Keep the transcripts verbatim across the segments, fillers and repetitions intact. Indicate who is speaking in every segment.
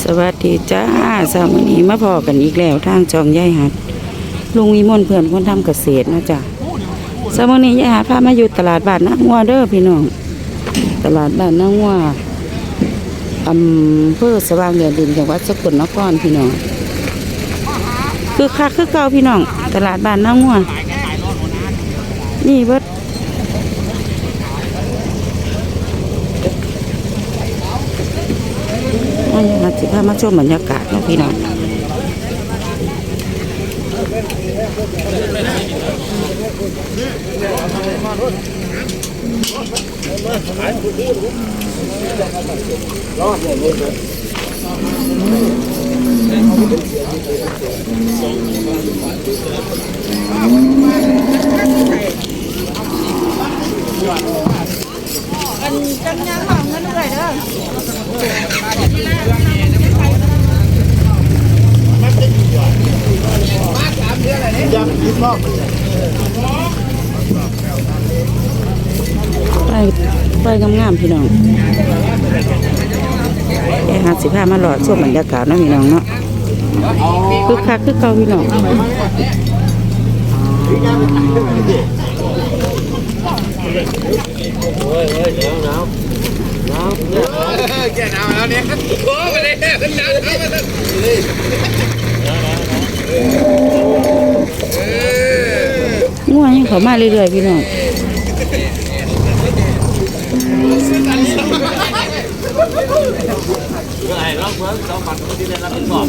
Speaker 1: สวัสดีจ้าสามวันนี้มาพอกันอีกแล้วทางจองย่ายหัดลุงวิมลเพื่อนคนทำเกษตรนะจ้ะสามวันนี้ย่ายหัดพามาอยู่ตลาดบ้านนางัวเด้อพี่น้องตลาดบ้านนางัวอำเภอสว่างแดนดินจังหวัดสกลนครพี่น้องคือคักคือเก่าพี่น้องตลาดบ้านนางัวนี่เบิดมาสิพามาชมบรรยากาศนะพี่น้องอันจังยังของเงินด้วยเด้อไปไปงามๆพี่น้องแค่ห้าสิบห้ามาหลอดช่วงบรรยากาศนะพี่น้องเนาะคือคักคือเก่าพี่น้อง
Speaker 2: แก่หนาวแล้วเนี่ยโอ้มาเลยขึ้นหนาวแล้วมาเลย
Speaker 1: ง่วงยังเขามาเรื่อยๆพี่น้อง
Speaker 2: ไอ้รอบเมื่อสองปัดที่ได้รับเป็นบอก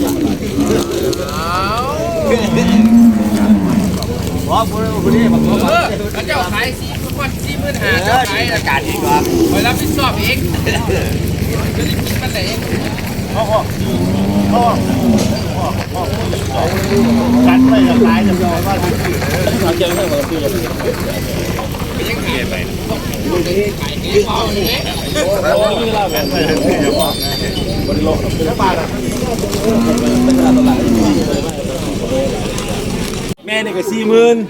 Speaker 2: ว้าวคนนี้บอกว่าเจ้าขายสี่พันสี่หมื่นห้าเจ้าขายอากาศดีกว่าไปรับผิดชอบเองจะได้กินมันไหนพ่อพ่อพ่อการไปกับขายจะยอมว่าเราเจอเรื่องของพี่เลยยังขายไปแม่นี่ก็สี่หมื่น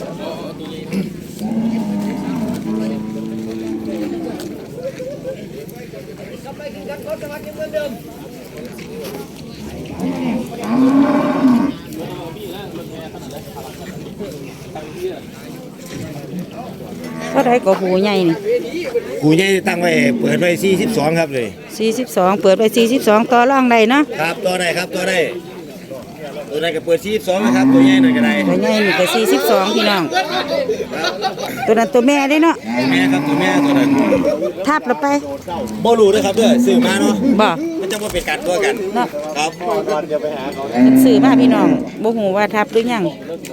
Speaker 1: ก็ได้ก็หูใหญ่นี่
Speaker 2: หูใหญ่ตั้งไว้เปิดไว้สี่สิบสองครับเลย
Speaker 1: สี่สิบสองเปิดไปสี่สิบสองต่อรองได้เนาะ
Speaker 2: ครับตัวไหนครับตัวไหนตัวไหนก็เปิดสี่สิบสองนะครับตัวใหญ่หน่อยก็ได้
Speaker 1: ตัวใหญ่นี่ก็สี่สิบสองพี่น้องตัวนั้นตัวแม่ได้เนาะ
Speaker 2: ตัวแม่ครับตัวแม่ตัวนั้น
Speaker 1: ทับเราไป
Speaker 2: บ่รู้ด้วยครับเด้อซื้อมาเนาะ
Speaker 1: บ่
Speaker 2: มันจะมาเป็นการตัวกันเนาะครับเดี๋ยวไปหาเขา
Speaker 1: ซื้อมาพี่น้องบ่ฮู้ว่าทับหรือยัง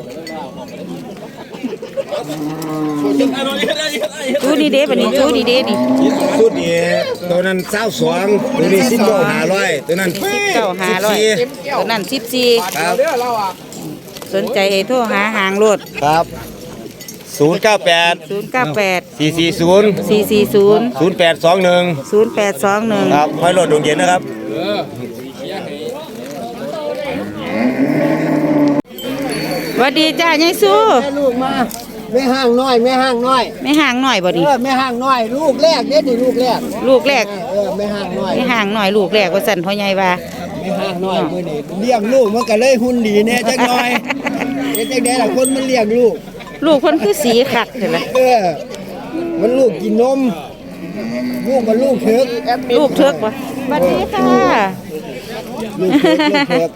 Speaker 1: จูดีเด้บัดนี้จูดีเด้นี่
Speaker 2: ชุดนี้ตัวนั้นเศร้าสองตัวนี้สิบเก้าห้าร้อยตัวนั้น
Speaker 1: สิบเก้าห้าร้อยตัวนั้นสิบสี่
Speaker 2: ครับ
Speaker 1: สนใจโทรหาหางรถ
Speaker 2: ครับศูนย์เก้าแปด
Speaker 1: ศูนย์เก้าแปด
Speaker 2: สี่สี่ศูนย์
Speaker 1: สี่สี่ศูนย์
Speaker 2: ศูนย์แปดสองหนึ่ง
Speaker 1: ศูนย์แปดสองหนึ่ง
Speaker 2: ครับห้อยรถดวงเย็นนะครับ
Speaker 1: สวัสดีจ้ายายสู้
Speaker 3: แม่ลูกมาแม่ห้างน้อยแม่ห้างน้อย
Speaker 1: ไม่ห่างหน่อยบ่ดิ
Speaker 3: เออแม่ห้างน้อยลูกแรกเด้นี่ลูกแรก
Speaker 1: ลูกแรก
Speaker 3: เออแม่ห้างน้อย
Speaker 1: ไม่ห่างหน่อยลูกแรกว่าสั่นพ่อใหญ่ว่า
Speaker 3: แม่ห้างน้อยมื้อนี้เลี้ยงลูกมันก็เลยหุ่นดีแน่จักหน่อยเฮ็ดจังได๋ล่ะคนมันเลี้ยงลูก
Speaker 1: ลูกเพิ่นคือสีคักจังล่ะ
Speaker 3: เออมันลูกกินนมลูกมันลูกเถิก
Speaker 1: ลูกเถิกบ่สวัสดีค่ะ
Speaker 3: ลูกเถิกลูกเถิก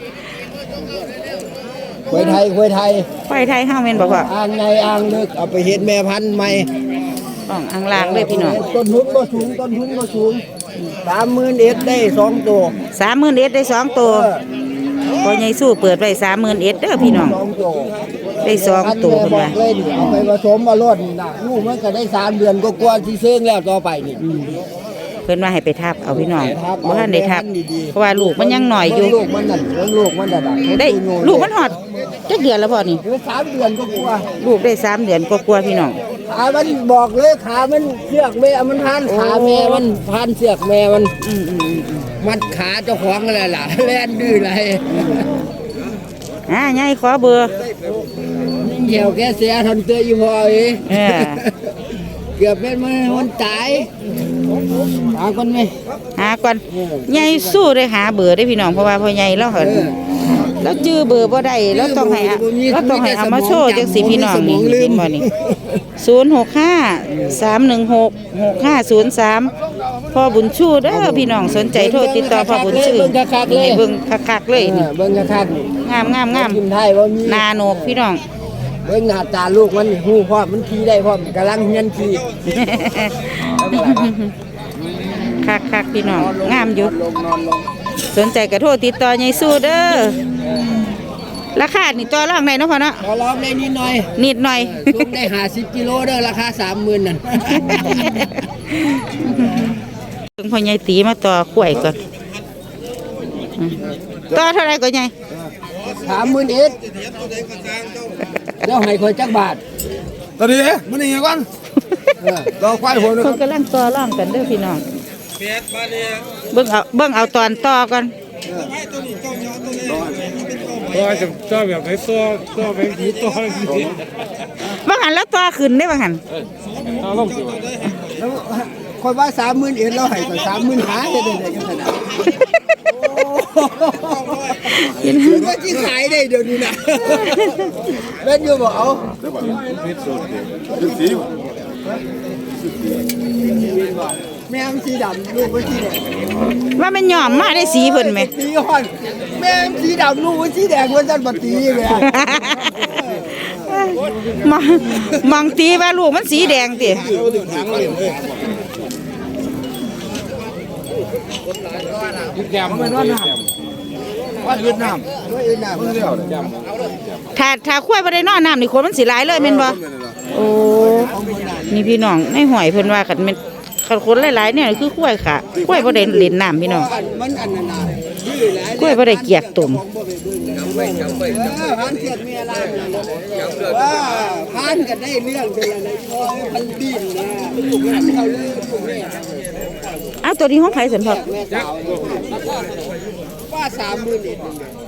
Speaker 3: ควยไทยควยไทย
Speaker 1: ควายไทยเฮาแม่นบ่พ่อ
Speaker 3: อ่างในอ่างลึกเอาไปเฮ็ดแม่พันธุ์ใหม่
Speaker 1: ต้องอ่างลางเลยพี่น้อง
Speaker 3: ต้นทุนก็สูงต้นทุนก็สูง สามหมื่นเอ็ดได้สองตัว
Speaker 1: สามหมื่นเอ็ดได้สองตัวพ่อใหญ่สู้เปิดไว้สามหมื่นเอ็ดเด้อพี่น้องได้สองตัวเพิ่นว่า
Speaker 3: เอาไปผสมมาลดน่ะลูกมันก็ได้สามเดือนก็กว่าที่เซิงแล้วต่อไปนี่
Speaker 1: เพิ่นว่าให้ไปทับเอาพี่น้องบ่ทันได้ทับเพราะว่าลูกมันยังหน่อยอยู่
Speaker 3: ลูกมันนั่นลูกมันนั่น
Speaker 1: ได้ลูกมันฮอดจักเดือนแล้วพ่อนี่
Speaker 3: สามเดือนก็กว่า
Speaker 1: ลูกได้สามเดือนกว่าๆพี่น้อง
Speaker 3: ขามันบอกเลยขามันเสือกแม่มันพันขาแม่มันพันเสือกแม่มัน
Speaker 1: อืม
Speaker 3: มันขาเจ้าของอะไรล่ะแล่นดื้ออะไร
Speaker 1: อ่าใหญ่ขอเบอร์
Speaker 3: นี่เหี่ยวแกเสียทนเตยอยู่พอเอ้เกือบเป็นมันมันตายหาคนไหม
Speaker 1: หาก่อนใหญ่สู้ได้หาเบอร์ได้พี่น้องเพราะว่าพ่อใหญ่แล้วเหรอแล้วจื้อเบอร์บ่ได้แล้วต้องให้แล้วต้องให้เอามาโชว์จังสิพี่น้องนี่เห็นบ่นี่ศูนย์หกห้าสามหนึ่งหกหกห้าศูนย์สามพ่อบุญชูเด้อพี่น้องสนใจโทรติดต่อพ่อบุญชูนี่เบิ่งคักๆเลยนี่
Speaker 3: เบิ่งกระทัก
Speaker 1: งามงามงาม
Speaker 3: กินไทยว่ามี
Speaker 1: นาโนกพี่น้อง
Speaker 3: เบิ่งหน้าตาลูกมันหูพร้อมมันขี่ได้พร้อมกำลังเฮียนขี่
Speaker 1: คักคักๆพี่น้องงามอยู่
Speaker 3: ลงนอนลง
Speaker 1: สนใจกระโทรติดต่อใหญ่สู้เด้อราคานี่ต่อรองได้เนาะพ่อเนาะ
Speaker 3: ขอร้องได้นิดหน่อย
Speaker 1: นิดหน่อย
Speaker 3: ลูกได้ห้าสิบกิโลเด้อราคาสามหมื่นนั่น
Speaker 1: เพิ่งพ่อใหญ่ตีมาต่อขวยก่อนอืมต่อเท่าไรก่อนใหญ่
Speaker 3: สามหมื่นเอ็ดเดี๋ยวให้คนจักบาท
Speaker 2: ตอนนี้มันยังไงกัน
Speaker 3: เออรอควายหัวหนึง
Speaker 1: เพิ่นกำลังต่อรองกันเด้อพี่น้องเบิ่งเอาเบิ่งเอาตอนต่อก่อน
Speaker 2: ตัวจะตัวแบบไหนตัวตัวแบบนี้ตัวนี้
Speaker 1: บางหันแล้วต่อขึ้นได้บางหัน
Speaker 2: เอาลงสิ
Speaker 3: แล้วคนว่าสามหมื่นเอ็ดเราให้ก็สามหมื่นหาได้ได้ได้กันขนาดคือว่าที่ขายได้เดี๋ยวนี้นะเล่นอยู่บ่เอาแม่มสีดำลูกมันสีแดง
Speaker 1: ว่ามันยอมมาได้สีเพิ่นไหม
Speaker 3: ตีฮอนแม่มสีดำลูกมันสีแดงมันจันบัตีแม่
Speaker 1: มองมองตีว่าลูกมันสีแดงติ
Speaker 2: แยมมันว่าน้ำว่าเวียดนาม
Speaker 3: ด้วยอื่นน่ะ
Speaker 1: ถ้าถ้าควายบ่ได้นอนน้ำนี่คนมันสิหลายเลยแม่นบ่โอ้นี่พี่น้องในห้อยเพิ่นว่ากันแม่นคันคนหลายๆเนี่ยคือควายค่ะควายบ่ได้เล่นน้ำพี่น้อง
Speaker 3: มันอันนั้นน่ะที่หลาย
Speaker 1: กล้วยบ่ได้เกียกตุ่ม
Speaker 3: พันเทียดเมียลานว่าพันกันได้เรื่องเป็นอะไรพันดินนะพันเขาเลยแม่
Speaker 1: อ้าวตัวนี้ห้องไผสันพอ
Speaker 3: แม่สาวว่าสามหมื่นเอ็ด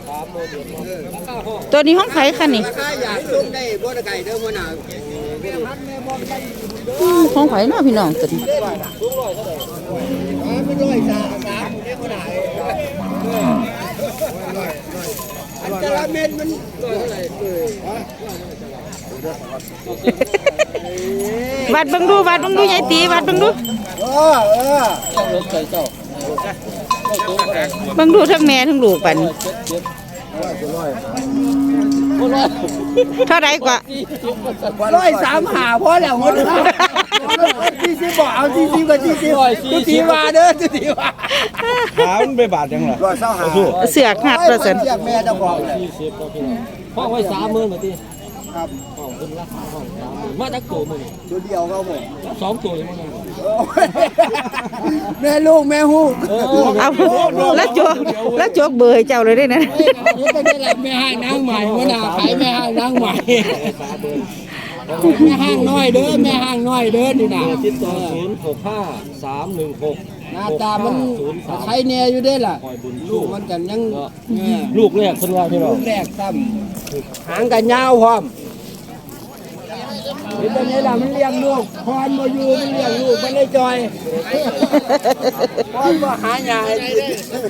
Speaker 1: ตัวนี้ห้องไผค่ะนี่
Speaker 3: ราคาอยากลงได้บ่ได้ไก่เด้อมื้อหน้า
Speaker 1: อืมห้องไผเนาะพี่น้องตัวนี้
Speaker 3: ไม่ร้อยสามสามได้มื้อหน้าอันตรเม็ดมันเท่าไหร่เอ่ย
Speaker 1: วัดเบิ่งดูวัดเบิ่งดูยายตีวัดเบิ่งดู
Speaker 3: เออเออ
Speaker 1: เบิ่งดูทั้งแม่ทั้งลูกปันเท่าไรกว่า
Speaker 3: ร้อยสามหาพอแล้วหมดที่สิบบอกเอาที่สิบกับที่สิบทุกทีมาเด้อทุกทีมา
Speaker 2: ขามันไปบาดยังไง
Speaker 3: ร้อยเศร้าหา
Speaker 1: เสือกหัดประสัน
Speaker 3: เรียกแม่เจ้าของเลย
Speaker 4: ห้องไว้สามหมื่นมาที
Speaker 3: ครับ
Speaker 4: ห้องเป็นราคาห้องสามหมื่นมาจากตัวมึง
Speaker 3: ตัวเดียวก็หมด
Speaker 4: สองตัวเลยมั้ง
Speaker 3: แม่ลูกแม่ฮู้
Speaker 1: เอาแล้วโจกแล้วโจกเบอร์ให้เจ้าเลยได้นะ
Speaker 3: นี่เป็นได้รับแม่ห้างนางใหม่เมื่อหน้าขายแม่ห้างนางใหม่แม่ห้างน้อยเด้อแม่ห้างน้อยเด้อนี่นะ
Speaker 4: ติดต่อศูนย์หกห้าสามหนึ่งหก
Speaker 3: หน้าตามันใครแน่อยู่ได้ล่ะ
Speaker 4: คอยบุญ
Speaker 3: ลูกมันกันยัง
Speaker 4: ลูกแรกคนว่าที่เรา
Speaker 3: ลูกแรกซ้ำหางกันยาวพร้อมนี่ตอนนี้ล่ะมันเลี้ยงลูกพรบ่อยู่มันเลี้ยงลูกมันเลยจอยพรบ่หาหยาให้กิน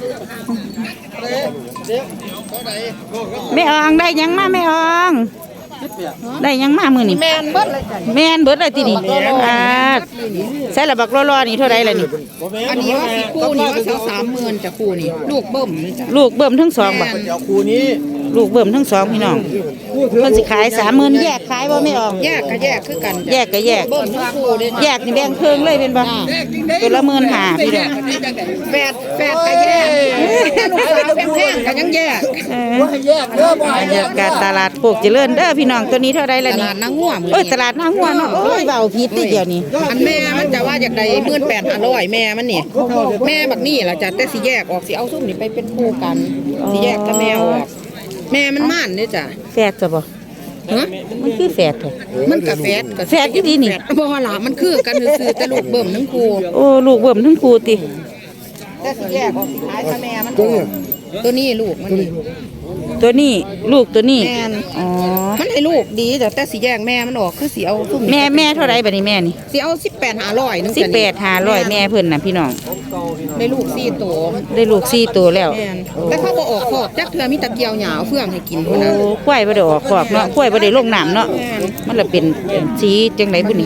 Speaker 1: แม่อองได้หยังมาแม่อองได้หยังมามื้อนี้แม่นเบิดเลยแม่นเบิดเลยตินี่อ่าใส่ละบักรอๆนี่เท่าใดล่ะนี่
Speaker 5: อันนี้ว่าสิคู่นี้ว่าสามหมื่นจะคู่นี้ลูกเบิ่มนี่จ้ะ
Speaker 1: ลูกเบิ่มทั้งสองบ่
Speaker 3: เดี๋ยวครูนี้
Speaker 1: ลูกเบิ่มทั้งสองพี่น้องเพิ่นสิขายสามหมื่นแยกขายบ่แม่ออง
Speaker 5: แยกก็แยกคือกัน
Speaker 1: แย
Speaker 5: จ้ะ
Speaker 1: กก็แยก
Speaker 5: เบิ่มทั้งคู่เด้
Speaker 1: แยกนี่แบ่งเครื่องเลยเป็นบ่ตัวละหมื่นห้าพี่น้อง
Speaker 5: แฝดแฝดก็แยกลูกสาวแพงๆก็ยังแยก
Speaker 1: เออ
Speaker 3: ว่าให้แยกเด้อบ่
Speaker 1: บร
Speaker 3: ให้
Speaker 1: ร
Speaker 3: แย
Speaker 1: ยาก กาศตลาดโคกเจริญเด้อพี่น้องตัวนี้เท่าใด
Speaker 5: ต
Speaker 1: ล่ะนี่
Speaker 5: ลาดนางงัวมื้อ
Speaker 1: เอ้ย
Speaker 5: นี้
Speaker 1: ตลาดนางหัวเนาะโอ้ยเว้าผิดติเดียวนี่
Speaker 5: อันแม่มันจะว่าอยากได้หมื่นแปดห้าร้อยแม่มันนี่แม่บักนี่ล่ะจ้ะแต่สิแยกออกสิเอาซุ่มนี่ไปเป็นคู่กันสิแยกกับแม่ออกแม่มันม่านเด้จ้ะ
Speaker 1: แฝดจะบ่
Speaker 5: ฮะ
Speaker 1: มันคือแฝดเถอะ
Speaker 5: มันก็แฝดก็
Speaker 1: แฝดอยู่ดีนี่
Speaker 5: บ่ว่าล่ะมันคือกันซื่อๆแต่ลูกเบิ่มทั้งคู่
Speaker 1: โอ้ลูกเบิ่มทั้งครูติ
Speaker 5: แต่สิแยกออกสิขายกับแม่มันออกตัวนี้ลูกมันนี่
Speaker 1: ตัวนี้ลูกตัวนี้
Speaker 5: แม่น
Speaker 1: อ๋อ
Speaker 5: มันให้ลูกดีแต่แต่สิแยกแม่มันออกคือสิเอาซุ่ม
Speaker 1: แม่แม่เท่าไรบัดนี้แม่นี่
Speaker 5: สิเอาสิบแปดหาร้อยนึง
Speaker 1: สิบแปดห้าร้อยแม่เพิ่นน่ะพี่น้อง
Speaker 5: ได้ลูกสี่ตัว
Speaker 1: ได้ลูกสี่ตัวแล้ว
Speaker 5: แม่นแต่เขาบ่ออกคอกจักเทื่อมีตะเกียวหยาวเฟื่องให้กิน
Speaker 1: โอ้
Speaker 5: พุ่นน่ะ
Speaker 1: ควายบ่ได้ออกคอกเนาะควายบ่ได้ลงน้ำเนาะ
Speaker 5: แม่น
Speaker 1: มันละเป็นสีจังไดบุนี่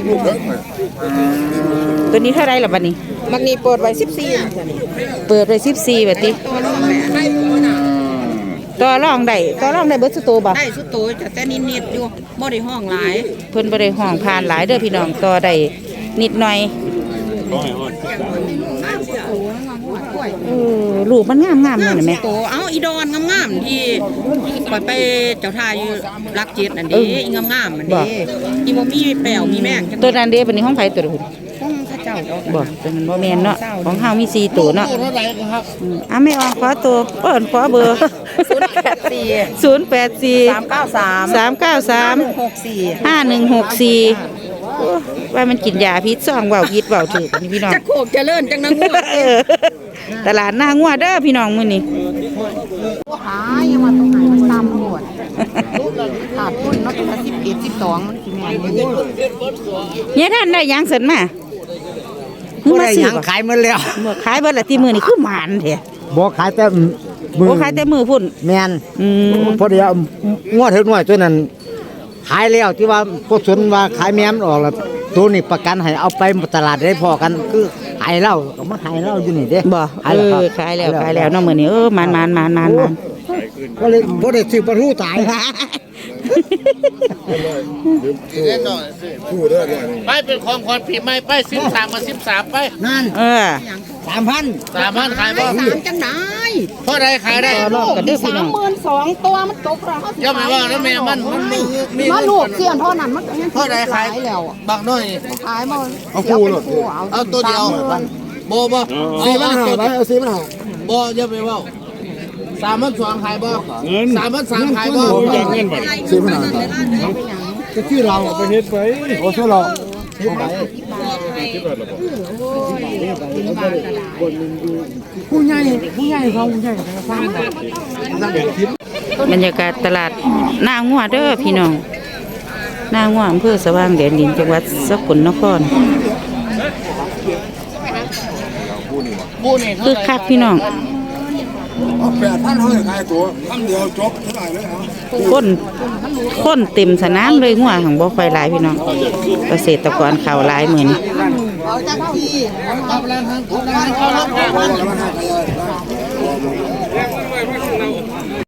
Speaker 1: ตัวนี้เท่าไรล่ะบัดนี้
Speaker 5: มักนี่เปิดไว้สิบสี่
Speaker 1: เปิดไว้สิบสี่บัดนี้
Speaker 5: ตัวน้องแม่
Speaker 1: ต่อรองได้ต่อรองได้เบิดสุโตบ่
Speaker 5: ได้สุดตัวจะแต่นิดๆอยู่บ่ได้ห้องหลาย
Speaker 1: เพิ่นบ่ได้ห้องผ่านหลายเด้อพี่น้องต่อได้นิดหน่อยเออลูกมันงามๆนั่นน่ะแม่
Speaker 5: ตัวเอาอีดอนงามๆที่ปล่อยไปเจ้าทายอยู่รักเจ็ดนั่นเด้อีงามๆมันเด้อีบ่มีแป้วมีแม่งจัง
Speaker 1: ตัวนั้นเด้บัดนี้ห้องไผตัวพุ่น
Speaker 5: ของข้าเจ้าดอก
Speaker 1: บ่ตัวนั้นบ่แม่นเนาะของเฮามีสี่ตัวเนาะอืมอ่ะแม่ออกขอตัวเอิ้นขอเบอร์
Speaker 5: ศูนย์แปดสี่
Speaker 1: ศูนย์แปดสี่
Speaker 5: สามเก้าสาม
Speaker 1: สามเก้าสาม
Speaker 5: หกสี่
Speaker 1: ห้าหนึ่งหกสี่โอ้ว่ามันกินยาพิษซ่องเว้าพิษเว้าถือนี่พี่น้อง
Speaker 5: จะโคกเจริญจังนังงัว
Speaker 1: เออตลาดหน้างัวเด้อพี่น้องมื้อนี้
Speaker 5: ขายยังว่าตรงไหนมันตามหมดขาดทุนเนาะเป็นสิบเอ็ดสิบสองมันสิแม่น
Speaker 1: เนี่ยท่านได้หยังเสร็จมา
Speaker 3: บ่ได้หยังขายหมดแล้ว
Speaker 1: เมื่อขายเบิดละที่มื้อนี้คือหมานแท้
Speaker 3: บ่ขายแต่มื
Speaker 1: โอ้ขายแต่มื้อพุ่น
Speaker 3: แม่น
Speaker 1: อืม
Speaker 3: พอดีเอางวดเถิดหน่อยตัวนั้นขายแล้วที่ว่าพวกสนว่าขายแม่มันออกแล้วตัวนี้ประกันให้เอาไปตลาดได้พอกันคือขายเหล้าก็มาขายเหล้าอยู่นี่เด้
Speaker 1: บ่
Speaker 3: ขาย
Speaker 1: เอ
Speaker 3: แล้วครับ
Speaker 1: อขายแล้วขายแล้วเนาะมื้อนี้เออหมานหมานหมานหมานหมาน
Speaker 3: ก็เลยบ่ได้ซื้อปลาทูตาย
Speaker 2: ไปเป็นของขวัญปีใหม่ไปสิบสามมาสิบสามไป
Speaker 3: นั่น
Speaker 1: เออ
Speaker 3: สามพัน
Speaker 2: สามพันขายบ่
Speaker 5: สามจังได้
Speaker 2: เท่าไรขายได้
Speaker 1: ต่อรอบกันเด้อพี่น้อง
Speaker 5: สามหมื่นสองตัวมันตกแล้วเขาสิ
Speaker 2: ย่อมไม่ว่าแล้วแม่มันมันมีมี
Speaker 5: มาลูกเสียนเท่านั้นมันก็ยัง
Speaker 2: เท่าไรขาย
Speaker 5: แล้ว
Speaker 2: บางน้อย
Speaker 5: ขายมาเอาคู่เลย
Speaker 2: เอาตัวเดียวบ่บ่
Speaker 3: สี่พันห้าไปเอาสี่พันห้า
Speaker 2: บ่อย่าไปเว้าสามพันสองขายบ่สามพันสามขายบ่
Speaker 3: สี่พันห้าก็ชื่อเราไปเฮ็ดไปโอ้ชื่อเราเฮ็ดไปผู้ใหญ่ผู้ใหญ่เขาผู้ใหญ่ฟัง
Speaker 1: บรรยากาศตลาดหน้างัวเด้อพี่น้องหน้างัวอำเภอสว่างแดนดินจังหวัดสกลนคร
Speaker 2: ผู้นี่
Speaker 1: คือคักพี่น้อง
Speaker 3: แปดพันเขาจะขายตัวคำเดียวจบเท่าไหร่เลยครับ
Speaker 1: คนคนเต็มสนามเลยงัวของบ่ค่อยหลายพี่น้องเกษตรกรเข้าหลายมื้อนี้
Speaker 2: เอาแล้วทั้งเอาแล้วทั้ง